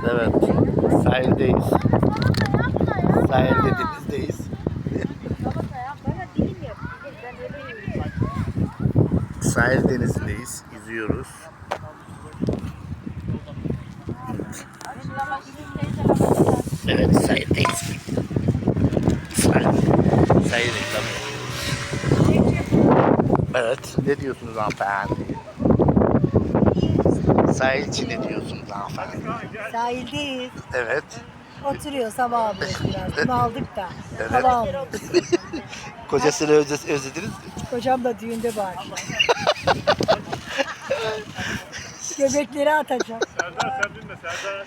Evet. Sahildeyiz. Sahilde denizdeyiz. Sahil denizindeyiz. Yüzüyoruz. Evet, sahildeyiz. Sahil reklamı. Evet, ne diyorsunuz hanımefendi? Sahil için ne diyorsunuz hanımefendi? Sahildeyiz. Evet. Oturuyoruz, hava alıyoruz biraz. Bunu aldık da. Evet. Hava alıyoruz. Kocasını özlediniz mi? Kocam da düğünde bu akşam. Göbekleri atacağım. Serdar sen bilme Serdar.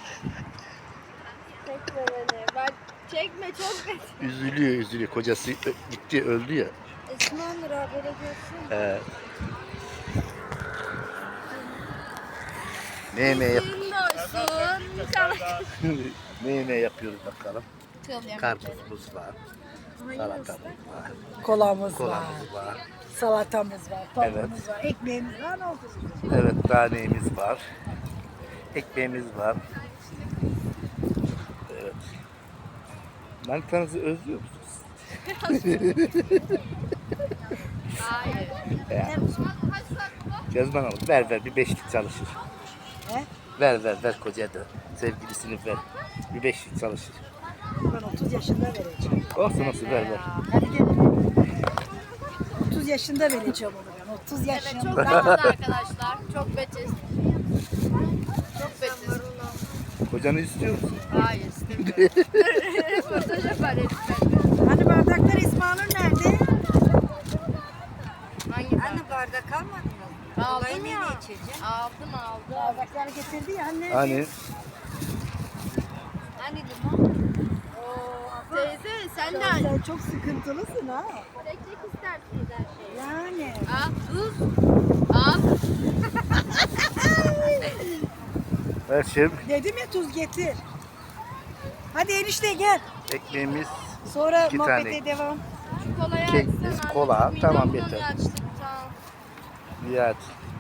Çekme beni. Ben çekme çok kötü. Üzülüyor. Kocası gitti, öldü ya. Esmandır haberi görsün. Evet. Ne yemeği yap Gün doysun. ne yemeği yapıyoruz bakalım. Karpuzumuz var. Salatamız var. Kolamız var. Kolamız var. Salatamız var. Tavuğumuz Evet. var. Ekmeğimiz var. Ne oldu? Evet, tanemiz var. Ekmeğimiz var. Evet. Manitanızı özlüyor musunuz? Hayır. Cezman Hanım ver bir beşlik çalışır. He? Ver kocaya da. Sevgilisini ver. Bir beşlik çalışır. Ben 30 yaşında vereceğim. Olsun ver. Hadi gel. 30 yaşında vereceğim onu ben. 30 Evet yaşında. çok rahat arkadaşlar. Çok betiz. Çok betiz. Kocanı istiyor musun? Hayır istemiyorum. Röportaj yapar lütfen. Hani bardaklar İsmail'in nerede? Hangi Anne bardak almadın mı? Aldım ya. içeceksin? Aldım. Bardakları getirdi ya anne. Hani Hani limon? Teyze sen de Sen çok sıkıntılısın ha. çekecek istersiniz her şeyi. Yani. Al tuz. Al. her şey Dedim ya tuz getir. Hadi enişte gel. ekmeğimiz, Sonra İki muhabbete tane. devam. Şu kolayı Kekimiz, açsana. kola. Midem Tamam, bulanıyor yeter. açlıktan. Nihat.